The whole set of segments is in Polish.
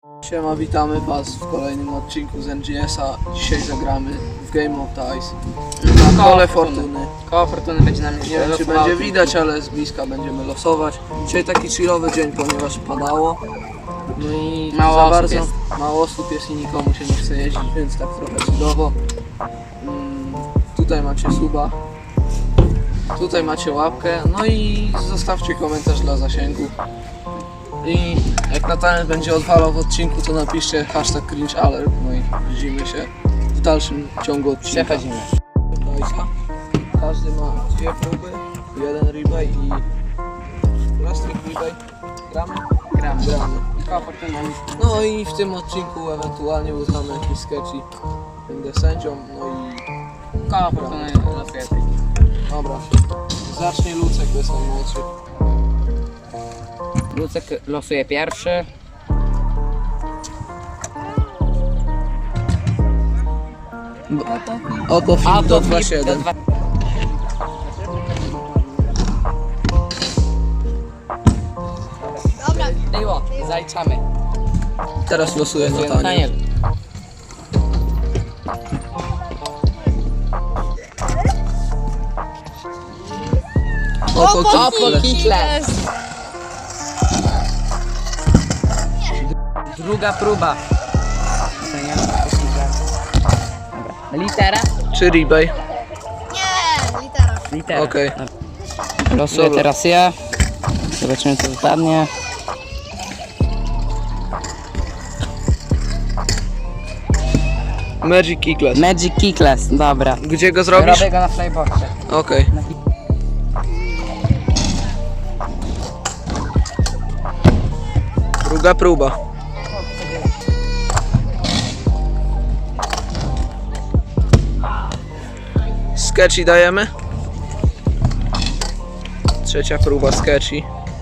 Siema, witamy Was w kolejnym odcinku z NGS-a. Dzisiaj zagramy w Game of Dice na kole fortuny. Koło fortuny będzie nam Nie wiem, czy będzie widać, ale z bliska będziemy losować. Dzisiaj taki chillowy dzień, ponieważ padało. No i mało osób jest i nikomu się nie chce jeździć, więc tak trochę chillowo. Tutaj macie suba. Tutaj macie łapkę. No i zostawcie komentarz dla zasięgu. I jak Natalia będzie odwalał w odcinku, to napiszcie hashtag cringealert. No i widzimy się w dalszym ciągu odcinka. Przechodzimy. Każdy ma dwie próby, jeden rebate i last week rebate. Gramy. Koło fortuny. No i w tym odcinku ewentualnie uznamy jakiś sketchy. Będę sędzią, no i Koło fortuny losuje ty. dobra. Zacznie Lucek, to jest najmłodszy. Lucek losuje pierwszy. Oto film do 2.7. Dobra, Było, zaliczamy. Teraz losuję Natanię. Daniel. Opo Hitler. Druga próba. Dobra. Litera? czy rebate? nie, litera. Litera. Okej. Losuję Dobra. teraz ja. Zobaczymy co wypadnie. Magic Keyclass. Magic Keyclass, dobra. Gdzie go zrobisz? Robię go na flyboxie. Okej. Druga próba. Sketchy dajemy. Trzecia próba sketchy.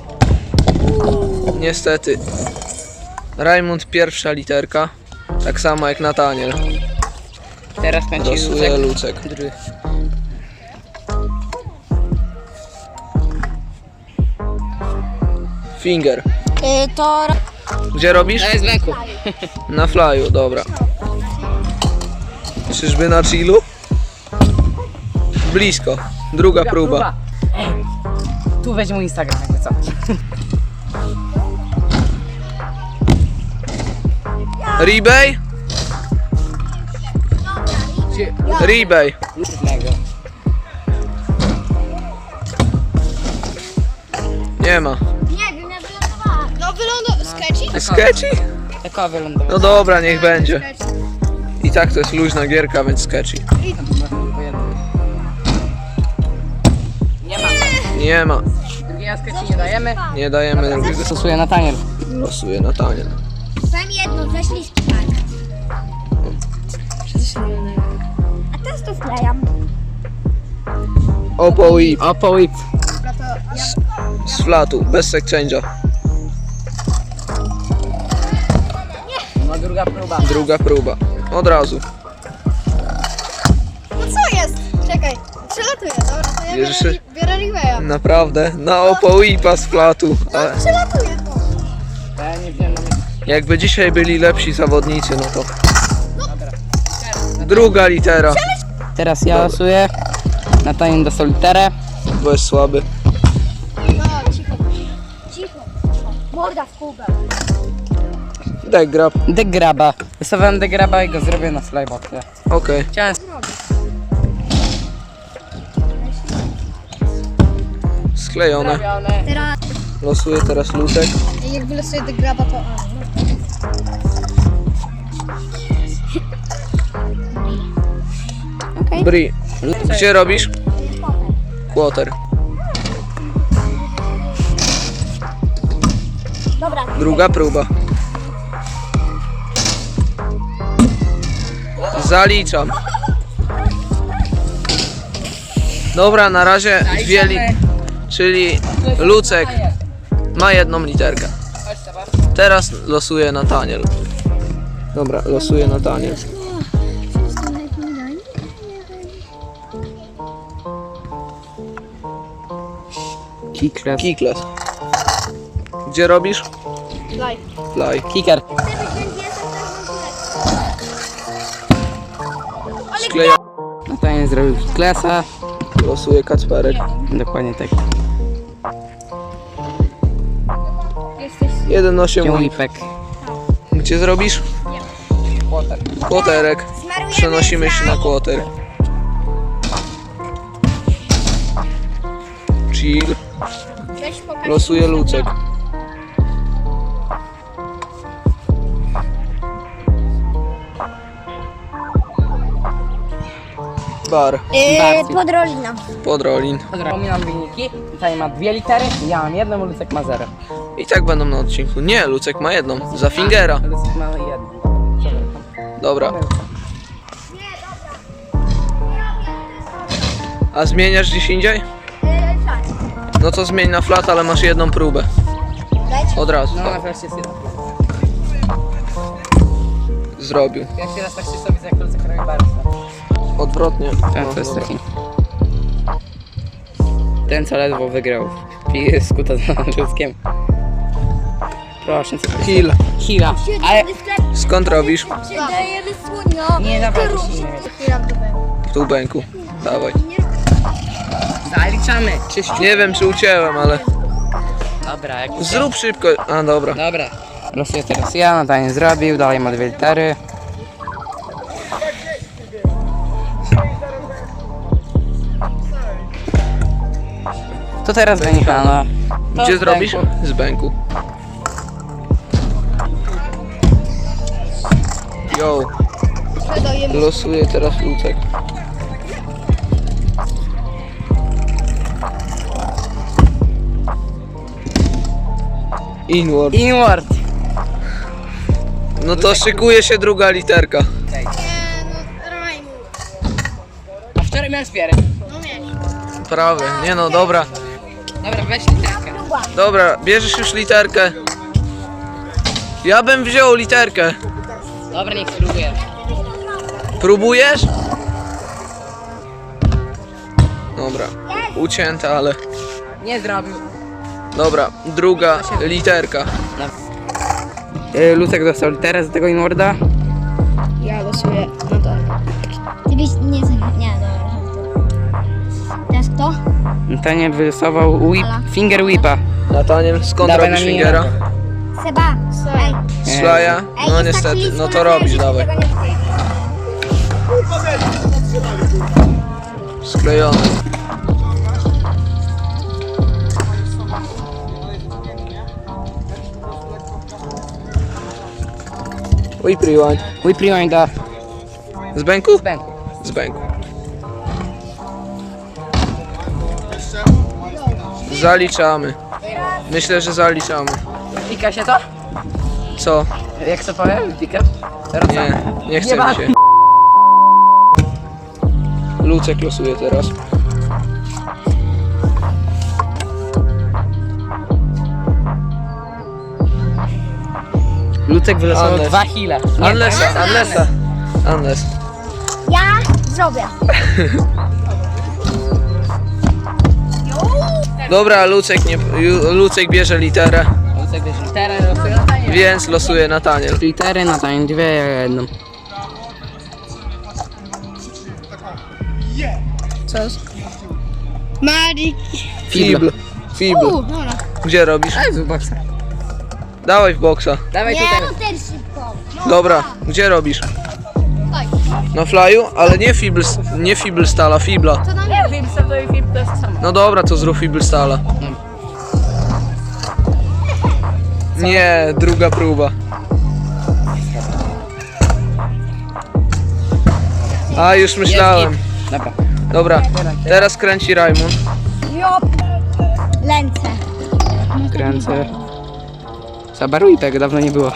Niestety. Raymond pierwsza literka. Tak samo jak Nataniel. Teraz kręci Losuje Lucek. Lucek. Finger. To Gdzie robisz? To jest w ręku. Na flyu, dobra. Czyżby na chillu? Blisko. Druga próba. Ej, tu weź mój Instagram, jakby co. Rebate? Rebate. Jednego. Nie ma. nie wiem, ja wylądowałam. No sketchy? Sketchy? Takowa wylądowa. No dobra, niech będzie. I tak to jest luźna gierka, więc sketchy. Nie ma. Nie ma. Drugiego sketchu nie dajemy. Nie dajemy drugiego. Stosuje Nataniel. Losuje Nataniel. Powiem jedno, weźli tak. A teraz to wklejam. Oppo Whip Oppo Whip. Dobra, to ja... z flatu, bez exchange'a. No druga próba. Druga próba. Od razu. No co jest? Czekaj, przelatuję, dobra, to ja Bierzesz się? biorę Riveya. Naprawdę? Na Oppo Whipa z flatu. Ale Przelatuję to. Ja nie wiem, jakby dzisiaj byli lepsi zawodnicy, no to... Druga litera, teraz ja losuję. Nataniel dostał literę. bo jest słaby. No, cicho. Cicho. Morda w kubę. Deck grab. Degraba. Wystawałem degraba i go zrobię na flyboxie. Okej. Chciałem... Sklejone. Teraz, Losuje teraz Lucek. jak wylosuję do graba, to... Okej. Bri. Gdzie robisz? Quarter. Dobra. Druga próba. Zaliczam. Dobra, na razie dwie czyli Lucek ma jedną literkę. Teraz losuje Nataniel. Dobra, losuje Nataniel. Keyclass. Keyclass. Gdzie robisz? Live. Fly. Kicker. Natalia zrobił Hitlesa. Losuje Kacperek. Dokładnie tak. 1,8 Łipek. Gdzie zrobisz? Kłoterek. Przenosimy się na kłoter. Chill. Losuje Lucek. Bar. Podrolina. Podrolin. Pominam wyniki. Tutaj ma 2 litery, ja mam 1, Lucek ma 0. I tak będą na odcinku. Nie, Lucek ma jedną. Za fingera. Lucek ma 1. Dobra. A zmieniasz gdzieś indziej? No to zmień na flat, ale masz jedną próbę. Od razu. No na Tak. wreszcie jest 1. Zrobił. Pierwszy raz tak się sobie jak Lucek robi bardzo. Odwrotnie. Tak, No, to jest dobra. taki. Ten co ledwo wygrał. Pije skuta z Luckiem. Proszę, co to jest? Hill. Hila. Ale Skąd robisz? Dajemy słonia. nie naprawdę się nie W tubeńku. Dawaj. zaliczamy. Czyściu. Nie wiem czy ucięłem, ale Dobra, jak zrób szybko. A dobra. Dobra. Losuję teraz ja, Natalia nie zrobił, dalej ma 2 litery. To teraz będzie Hanna. To Gdzie z zrobisz? ręku. Z bęku. Yo. Losuję teraz Lucek. Inward. Inward. No to szykuje się druga literka. A wczoraj miałem spierę. Prawie. Nie no, dobra. Dobra, weź literkę. Dobra, bierzesz już literkę. Ja bym wziął literkę. Dobra, niech spróbuję. Próbujesz? Dobra. Ucięte, ale... Nie zrobił. Dobra, druga literka. Lucek dostał literę z tego Inwarda. Ja losuję. No to. Ty byś nie dobra. Teraz kto? Natalia wylosował finger whipa. Nataniel, skąd Dawaj robisz na mnie fingera? Seba. Ej. Slaja? Ej, No jest niestety, taki list no na to robisz, razie, dawaj. tego nie chcę. Sklejony. Whip rewind. Whip rewinda. Z bęku? Z bęku. Z bęku. Zaliczamy. Myślę, że zaliczamy. Pika się to? Co? Jak to powiem? Pika? Nie, nie chce ma- mi się. Lucek losuje teraz. Lucek wylosował Unless. 2 hile. Unless. Ja zrobię. Dobra, Lucek bierze literę, Lucek bierze literę, losuje Natanię. więc losuje Nataniel. Litery, Natanię 2, ja 1. Co? Marik. Fibl. Dobra. Gdzie robisz? Ale zobacz. Dawaj w boksa. Dawaj Nie, tutaj. no też szybko. Dobra, gdzie robisz? Tak. Na flyu? Ale nie fibl stala, fibla. To nam Nie, film to i film to jest to samo. No dobra, to zrób fibl stala. Nie, druga próba. A, już myślałem. Dobra. Dobra, teraz kręci Rajmund. Jop. Lęce. Kręcę. Zabaruj tego, dawno nie było.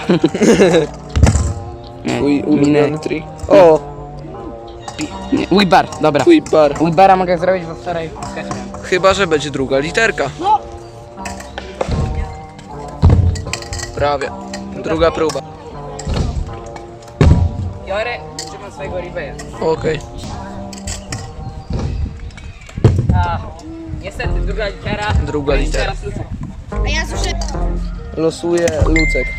Nie, Twój minę. ulubiony trik. O, Nie, Whipbar, dobra. twój bar. Whipbara mogę zrobić, bo wczoraj skać miałem. Chyba, że będzie druga literka. No. Prawie. Druga próba. Biorę, trzymam swojego Ribeya. Okej. A, niestety, druga litera. Druga litera. Teraz Lucek. A ja słyszę. Losuje Lucek.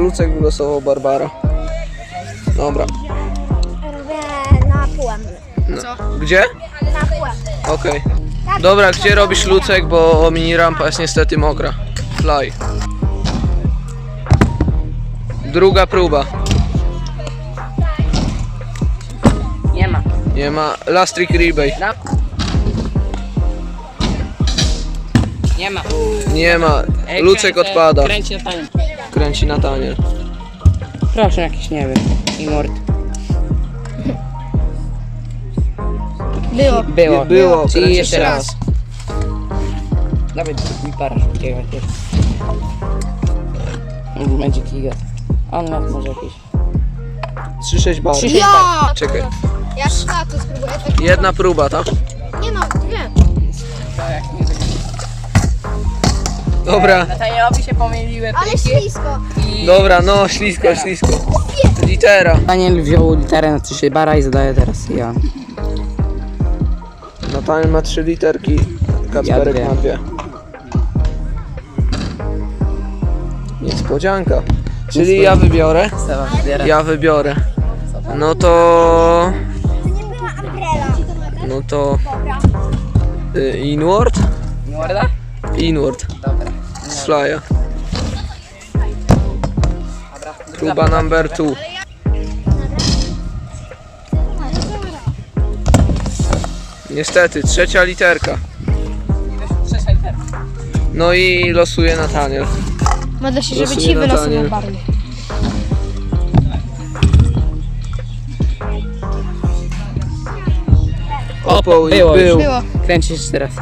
Lucek wylosował Barbara. Dobra. Robię na półem. Gdzie? Na półem. Okej. Dobra, gdzie robisz Lucek, bo mini rampa jest niestety mokra. Fly. Druga próba. Nie ma. Nie ma. Last trick rebate. Nie ma. Nie ma. Ej, Lucek kręcę- odpada. Kręci na tanie. Kręci na tanie. Proszę jakiś, nie wiem. Imort. Było. Było. Było. Czyli Kręci jeszcze raz. Dawaj mi paraszut jakiegoś. Będzie kiga. On ma może jakieś. 3-6 bar. 3-6 Ja! Czekaj. Ja szlaku spróbuję. Tak. Jedna próba, tak? Nie no, dwie. Dobra. Natanielowi się pomyliły Ale ślisko. Dobra, no ślisko, ślisko. Litera. Daniel wziął literę na 3 bara i zadaje teraz ja. Nataniel ma 3 literki. Kacperek Ja ma 2. Niespodzianka. Czyli ja wybiorę. Ja wybiorę. No to... To nie była umbrella. No to... Dobra. Inward? Morda? Inward. Dobra. Z flya. Próba number 2. Niestety, 3. literka. No i losuje Nataniel. Modlę się, żeby ci wylosował barwy. Opał i Było już. był. Było. Kręcisz jeszcze raz.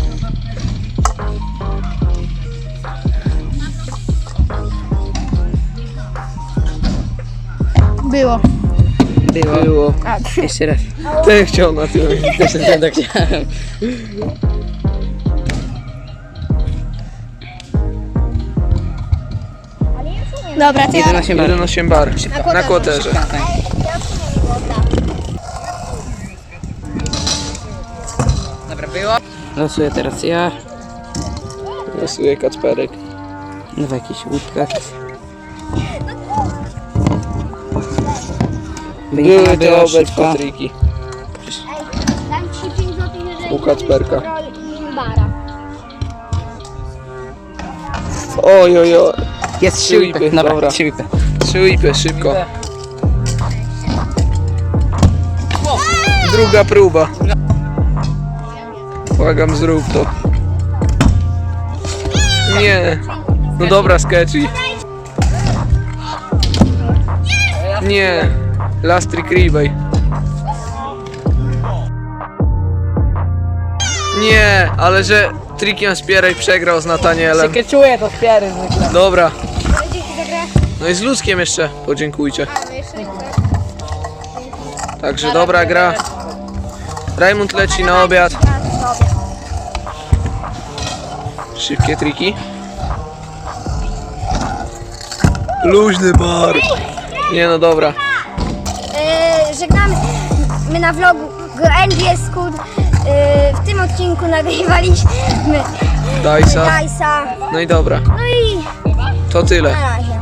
Było. Było. Było. Jeszcze raz. Ten chciał na tym. Też tak chciałem. Dobra, to ja... 11 bar. 1,8 bar. Na kłoterze. Dobra, było. Losuję teraz ja. Losuje Kacperek. No w jakichś łódkach. Były te Była obecne szybka. triki. Dam ci 5 zł, jeżeli U Kacperka. i bara. Oj, oj, oj. Jest 3 whipy, whipy. Dobra, dobra. 3 whipy. 3 whipy, szybko. Druga próba. Błagam, zrób to. Nie. No dobra, sketchy. Nie. Last trick rebate. Nie, ale że trikiem Spierej przegrał z Natanielem. Czuję to spiery zwykle. Dobra. Dzięki za grę. No i z Luckiem jeszcze podziękujcie. A, no jeszcze nie chcę. Także dobra gra. Rajmund leci na obiad. Szybkie triki. Luźny bar. Nie no dobra. Żegnamy. My na vlogu NGS Scoot. W tym odcinku nagrywaliśmy Dajsa. Dajsa. No i dobra. No i To tyle. na razie.